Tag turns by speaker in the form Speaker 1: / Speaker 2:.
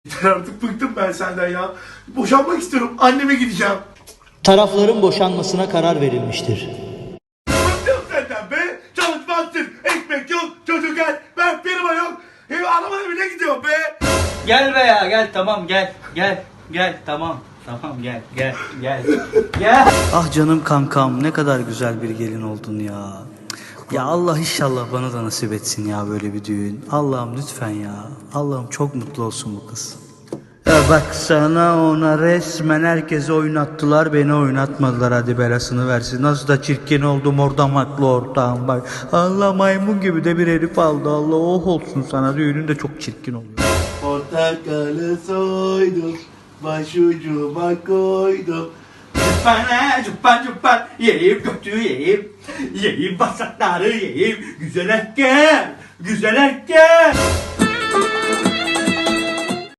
Speaker 1: Yeter artık, bıktım ben senden ya. Boşanmak istiyorum. Anneme gideceğim.
Speaker 2: Tarafların boşanmasına karar verilmiştir.
Speaker 1: Bıktım senden be. Çalışmazsın. Ekmek yok. Çocuk gel. Ben firma yok. Arabaya bile gidiyorum be.
Speaker 3: Gel be ya, gel, tamam, gel tamam gel gel.
Speaker 2: Ah canım kankam, ne kadar güzel bir gelin oldun ya. Ya Allah inşallah bana da nasip etsin ya böyle bir düğün. Allah'ım lütfen ya. Allah'ım çok mutlu olsun bu kız. Ya baksana ona, resmen herkese oynattılar, beni oynatmadılar, hadi belasını versin. Nasıl da çirkin oldum orada, maklı ortağım bak. Allah, maymun gibi de bir herif aldı. Allah oh olsun sana, düğünün de çok çirkin oluyor.
Speaker 1: Portakalı soydum. Başucuma koydum.
Speaker 3: Cuppan yiyeyim, götü yiyeyim. Yiyeyim basakları yiyeyim. Güzel erkek.